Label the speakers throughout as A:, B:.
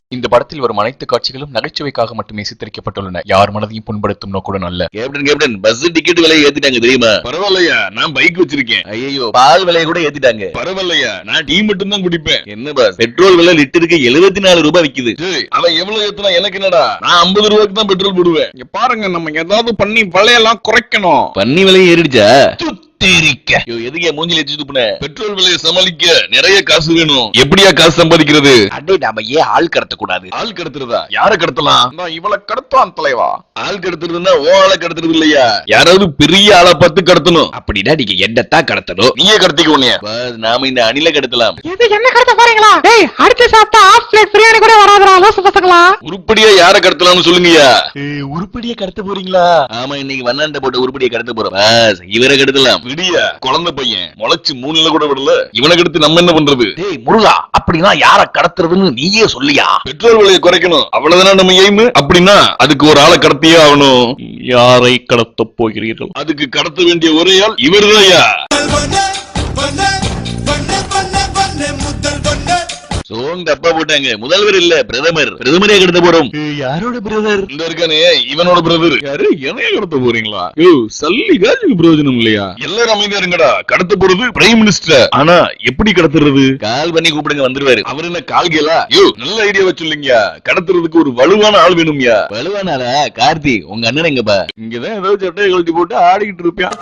A: இந்த படத்தில் வரும் அனைத்து காட்சிகளும் நகைச்சுவைக்காக மட்டுமே சித்தரிக்கப்பட்டுள்ளன. யார் மனதையும் புண்படுத்தும் நோக்குடன் அல்ல.
B: கேப்டன் பஸ் டிக்கெட் விலையை ஏத்திட்டாங்க தெரியுமா?
C: பரவாயில்லையா, நான் பைக் வச்சிருக்கேன்.
B: ஐயோ, பால் விலையை கூட ஏத்திட்டாங்க.
C: பரவாயில்லையா, நான் டீ மட்டும் தான் குடிப்பேன்.
B: என்ன பாஸ், பெட்ரோல் விலை லிட்டருக்கு 74 ரூபாய் விக்குது.
C: அவன் எவ்வளவு ஏத்துனா எனக்கு என்னடா? நான் 50 ரூபாய்க்கு தான் பெட்ரோல் போடுவேன். இங்க பாருங்க, நம்ம ஏதாவது பண்ணி விலையெல்லாம் குறைக்கணும்.
B: பண்ணி விலை ஏறிடுச்சா?
C: எதுக்கே மூஞ்சில ஏத்தி துப்புன? பெட்ரோல் விலையை சமாளிக்க நிறைய காசு வேணும். எப்படியா காசு சம்பாதிக்கிறது?
B: அடே, நாம ஏன் ஆள் கடத்த கூடாது?
C: ஆள் கடத்துறதா? யார கடத்தலாம்? இவளை கடத்தான் தலைவா. ஆள் கடத்துறதுன்னா ஓ ஆளை கடத்துறது இல்லையா, யாராவது பெரிய ஆளை பார்த்து கடத்தணும்.
B: அப்படின்னா நீங்க என்னத்தான் கடத்தணும்?
C: நீயே கடத்திக்க உன்னைய.
B: நாம இந்த அணில கடத்தலாம்.
D: என்ன கடத்த போறீங்களா? டேய், அடுத்து சாப்பிட்டா ஆஃப் பிளேட் பிரியாணி கூட வராதுடா லோசு பசங்களா.
C: உருப்படியா யார கடத்தலாம்னு சொல்லுங்கயா.
B: உருப்படியா கடத்த போறீங்களா? ஆமா, இன்னைக்கு வண்ணாண்ட போட்டு உருப்படியா கடத்த போறோம். இவரை கடத்தலாம்.
C: விடியா, குழந்தை பையன் முளைச்சு 3 கூட விடல. இவனை கடத்தி நம்ம என்ன பண்றது?
B: டேய் முருகா, அப்படின்னா யார கடத்துறதுன்னு நீயே சொல்லியா?
C: பெட்ரோல் விலையை குறைக்கணும், அவ்வளவுதானே நம்ம எய்ம். அப்படின்னா அதுக்கு ஒரு ஆளை கடத்தியே ஆகணும்.
A: யாரை கடத்த போகிறீர்கள்?
C: அதுக்கு கடத்த வேண்டிய ஒரே ஆள் இவர்தான்.
B: சோங் தப்பா போட்டாங்க. முதல்வர் இல்ல, பிரதமர். பிரதமரே கடத்த போறோம். யாரோட பிரதர்?
C: இந்த இருக்கானே, இவனோட பிரதர். யாரு? என்னைய கடத்த போறீங்களா? சல்லி காஜுக்கு பிரயோஜனம் இல்லையா? எல்லாரும் அமைதியா இருங்கடா. கடத்த போறது பிரைம் மினிஸ்டர். ஆனா எப்படி கடத்துறது?
B: கால் பண்ணி கூப்பிடுங்க, வந்துருவாரு.
C: அவர் என்ன கால்கேலா? நல்ல ஐடியா வச்சுள்ளீங்க. கடத்துறதுக்கு ஒரு வலுவான ஆள் வேணும்யா.
B: வலுவான ஆளா? கார்த்தி, உங்க அண்ணன் எங்கப்பா?
C: இங்கதான் ஏதோ சட்டையை கழட்டி போட்டு ஆடிக்கிட்டு இருப்பான்.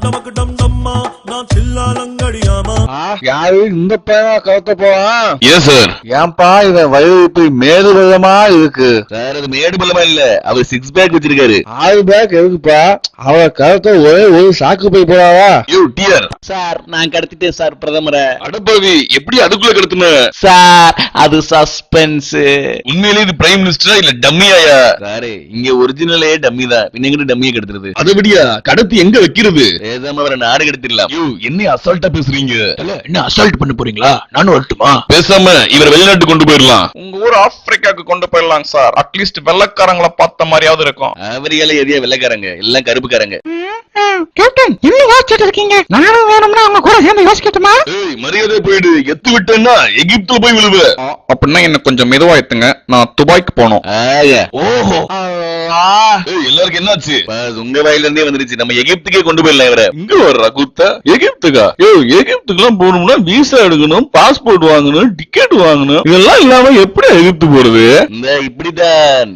E: யாரு இந்த பையனா கடத்த போவான்?
C: ஏன் சார்?
E: ஏன்பா இவன் வயது மேடு பள்ளமா இருக்கு?
B: சார், அது மேடு பள்ளமா இல்ல, அவர் 6 பேக் வச்சிருக்காரு.
E: 6 பேக் எதுக்குப்பா? அவ கடத்த ஒரே ஒரு சாக்கு போய் போறாவா?
B: சார், நான் கடத்திட்டேன் சார் பிரதமரை.
C: அடப்பாவி, எப்படி அதுக்குள்ள கடத்துன?
B: சார், அது சஸ்பென்ஸ்.
C: உண்மையிலே இது பிரைம் மினிஸ்டரா இல்ல டம்மியாயா?
B: சாரு, இங்க ஒரிஜினலே டம்மி தான். பின்ன டம்மியை கடத்துறது?
C: அதை விடியா, கடத்தி எங்க வைக்கிறது?
B: பேசாம அவரை நாடு கடத்திடலாம்.
C: என்ன அசால்ட்டா பேசுறீங்க?
B: என்ன அசால்ட் பண்ண போறீங்களா? நானும் வரட்டுமா?
C: பேசாம இவர் வெளிநாட்டு கொண்டு போயிடலாம்.
F: உங்க ஊர் ஆப்பிரிக்காக்கு கொண்டு போயிடலாம் சார். அட்லீஸ்ட் வெள்ளக்காரங்களை பார்த்த மாதிரியாவது இருக்கும்.
B: அவரியால எதையா வெள்ளைக்காரங்க, எல்லாம் கருப்புக்காரங்க.
D: கேப்டன், என்ன யோசிச்சுட்டு இருக்கீங்க? நானும் வேணும்னா அவங்க கூட சேர்ந்து யோசிக்கட்டுமா?
C: மரியாதை போயிடு. எத்து விட்டேன்னா எகிப்துல போய் விழுவ.
F: அப்படின்னா என்ன கொஞ்சம் மெதுவா எத்துங்க, நான் துபாய்க்கு போனோம்.
B: ஓஹோ,
C: எல்லாருக்கும் என்னாச்சு?
B: உங்க வாயில இருந்தே வந்துருச்சு. நம்ம எகிப்துக்கே கொண்டு போயிடலாம் இவரை.
C: இங்க வர்ற குத்த எகிப்துக்கா? எகிப்துக்கு எல்லாம் போகணும்னா விசா எடுக்கணும், பாஸ்போர்ட் வாங்கணும், டிக்கெட் வாங்கணும். இதெல்லாம் இல்லாம எப்படி எகிப்து போறது?
B: இந்த இப்படிதான்.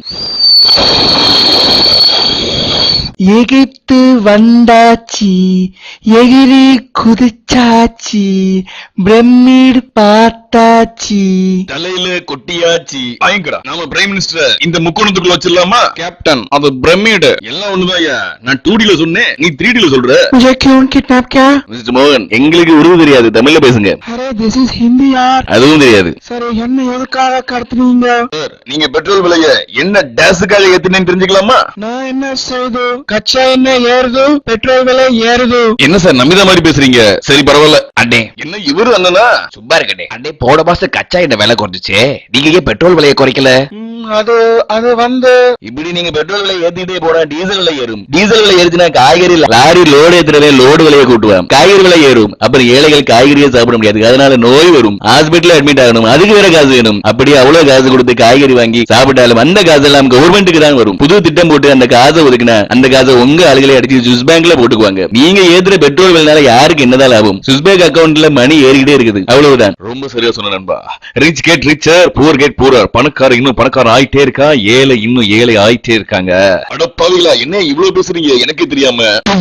D: எகிப்து வந்தாச்சி, எகிரி குதிச்சாச்சி, பிரமிடு பார்த்தாச்சி,
C: தலையில கொட்டியாச்சி. வாங்கிக்கடா. நாம பிரைம் மினிஸ்டர் இந்த முக்கோணத்துக்குள்ள வச்சிடலாமா?
F: கேப்டன், அது பிரமிடு.
C: எல்லாம் ஒண்ணுதாயா. நான் 2Dல சொன்னேன், நீ 3Dல சொல்ற.
D: मुझे क्यों किडनैप किया?
B: மிஸ்டர் மோகன், எங்களுக்கு உருது தெரியாது, தமிழ்ல பேசுங்க.
D: अरे दिस इज हिंदी यार.
B: அதுவும் தெரியாது.
D: சரி, என்ன எதுக்காக கடத்துனீங்க?
C: சார், நீங்க பெட்ரோல் விலைய என்ன டேஸுக்காக ஏத்துனேன்னு தெரிஞ்சுக்கலாமா?
D: நான் என்ன செய்து? கச்சா என்ன ஏறுது, பெட்ரோல் விலை ஏறுது.
C: என்ன சார் நம்பித மாதிரி பேசுறீங்க? சரி பரவாயில்ல.
B: அண்ணே,
C: என்ன இவரு அண்ணனா?
B: சும்மா இருக்கட்டே. அண்ணே, போன மாசம் கச்சா என்ன விலை குறைஞ்சிச்சு, நீங்க ஏன் பெட்ரோல் விலையை குறைக்கல?
D: அது வந்து
B: இப்படி நீங்க பெட்ரோல் விலை ஏத்திட்டே போனா டீசல் விலை ஏறும். டீசல் விலை ஏறுச்சுன்னா காய்கறி லாரி லோடு ஏத்துறவே லோடு விலையை கூட்டுவான். காய்கறி விலை ஏறும். அப்புறம் ஏழைகள் காய்கறியை சாப்பிட முடியாது. அதனால நோய் வரும். ஹாஸ்பிட்டல் அட்மிட் ஆகணும். அதுக்கு வேற காசு வேணும். அப்படி அவ்வளவு காசு கொடுத்து காய்கறி வாங்கி சாப்பிட்டாலும் அந்த காசு எல்லாம் கவர்மெண்ட்டுக்கு தான் வரும். புது திட்டம் போட்டு அந்த காசை ஒதுக்கினா அந்த காசை உங்க ஆளுகளை அடிச்சு சுவிஸ் பேங்க்ல போட்டுக்குவாங்க. நீங்க ஏத்துற பெட்ரோல் விலைனால யாருக்கு என்னதான் லாபம்? சுவிஸ் பேங்க் அக்கௌண்ட்ல மணி ஏறிக்கிட்டே இருக்குது. அவ்வளவுதான்.
C: ரொம்ப சரியா சொன்ன நண்பா. Rich get richer, poor get poor. பணக்கார இன்னும் பணக்காரன் ஆயிட்டே இருக்கா, ஏழை இன்னும் ஏழை ஆயிட்டே இருக்காங்க. அடப்பாவிகளா, என்ன இவ்வளவு பேசுறீங்க எனக்கே தெரியாம?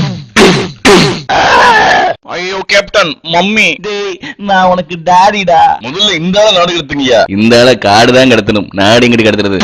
F: ஐயோ கேப்டன், மம்மி.
B: நான் உனக்கு டாடிடா.
C: முதல்ல இந்த ஆள நாடு கடத்துங்கயா.
B: இந்த ஆள காடு தான் கடத்தணும், நாடு எங்கிட்டு கடத்துறது?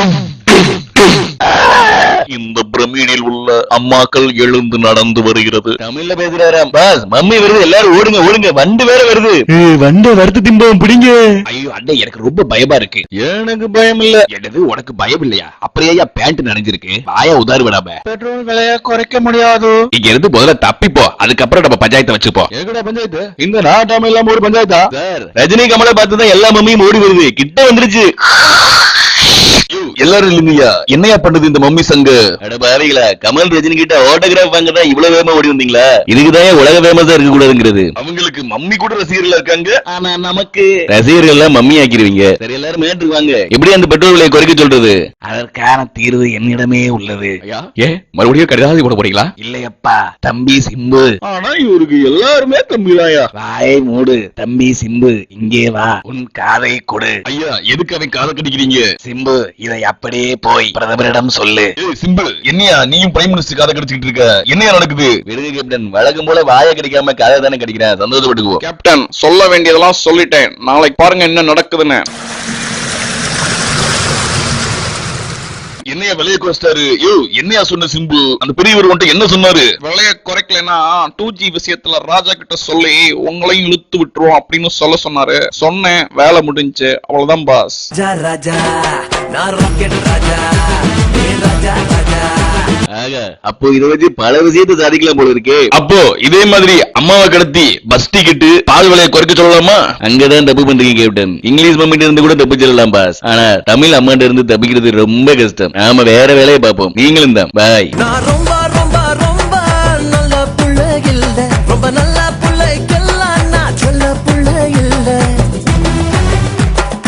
C: இந்த பிரமிடில் உள்ள அம்மாக்கள் எழுந்து நடந்து வருகிறது.
B: தமிழ்ல பேசுறாராம். பாஸ், மம்மி வருது, எல்லாரும் ஓடுங்க ஓடுங்க, வண்டு வேற வருது. வண்டு வறுத்து திம்போம், பிடிங்க.
F: ஐயோ அண்ணே, எனக்கு ரொம்ப பயமா இருக்கு.
C: எனக்கு பயம் இல்ல.
F: என்னது, உனக்கு பயம் இல்லையா? அப்படியே பேண்ட் நனைஞ்சிருக்கு, வாயா உதாறு விடாம.
D: பெட்ரோல் விலையை குறைக்க முடியாது.
F: இங்க இருந்து முதல்ல தப்பிப்போ, அதுக்கப்புறம் நம்ம பஞ்சாயத்தை வச்சுப்போம்.
C: எங்கடா பஞ்சாயத்து? இந்த நாட்டாம இல்லாம ஒரு பஞ்சாயத்தா?
B: சார், ரஜினி கமலை பார்த்துதான் எல்லா மம்மியும் ஓடி வருது. கிட்ட வந்துருச்சு.
C: எல்லாரும் இல்லைங்கய்யா, என்னையா பண்ணுது இந்த மம்மி சங்கு?
B: அட பாருங்களா, கமல் ரஜினி கிட்ட ஆட்டோகிராஃப் வாங்க தான் இவ்வளவு வேகமா ஓடி வந்தீங்களா? இதுக்குதான் உலக ஃபேமஸா இருக்க கூடாதுங்கிறது.
C: அவங்களுக்கு மம்மி கூட ரசிகர்கள் இருக்காங்க,
B: ஆனா நமக்கு ரசிகர்கள் எல்லாம் மம்மி ஆக்கிடுவீங்க. சரி, எல்லாரும் மேட்டுக்கு வாங்க. எப்படி அந்த பெட்ரோல் விலையை குறைக்க சொல்றது? அதற்கான தீர்வு என்னிடமே உள்ளது.
C: மறுபடியும் கடிதாசி போட போறீங்களா?
B: இல்லையப்பா, தம்பி சிம்பு.
E: ஆனா இவருக்கு எல்லாருமே தம்பிதாயா.
B: வாயை மூடு தம்பி சிம்பு, இங்கே வா, உன் காதை கொடு.
C: ஐயா, எதுக்கு அவன் காதை கடிக்கிறீங்க?
B: சிம்பு, இதை அப்படியே போய் பிரதமரிடம் சொல்லு.
C: ஏய் சிம்பு, என்னையா நீயும் பிரைம் மினிஸ்டர் காதை கடிச்சிட்டு இருக்க? என்னையா நடக்குது?
B: விடுங்க கேப்டன், வழக்கம் போல வாயை கடிக்காம காதை தானே கடிக்கிறேன், சந்தோஷப்பட்டுக்குவோம்.
F: கேப்டன், சொல்ல வேண்டியதெல்லாம் சொல்லிட்டேன். நாளைக்கு பாருங்க என்ன நடக்குதுன்னு.
C: என்னையா விலையை குறைச்சிட்டாரு? யோ, என்னையா சொன்ன சிம்பு? அந்த பெரியவர் வந்துட்டு என்ன சொன்னாரு?
F: விலைய குறைக்கலனா 2G விஷயத்துல ராஜா கிட்ட சொல்லி உங்களையும் இழுத்து விட்டுருவோம் அப்படின்னு சொல்ல சொன்னாரு. சொன்னேன், வேலை முடிஞ்சு, அவ்வளவுதான் பாஸ்.
B: ஆக, அப்போ இதை வச்சு பல விஷயத்தை சாதிக்கலாம் போல இருக்கே.
C: அப்போ இதே மாதிரி அம்மாவை கடத்தி பஸ் டிக்கெட் பால் விலையை குறைக்க சொல்லலாமா?
B: அங்கதான் தப்பு பண்றீங்க கேப்டன். இங்கிலீஷ் மம்மிட்ட இருந்து கூட தப்பிச்சிடலாம் பாஸ், ஆனா தமிழ் அம்மாட்ட இருந்து தப்பிக்கிறது ரொம்ப கஷ்டம். நாம வேற வேலையை பார்ப்போம். நீங்களும் தான். பாய்.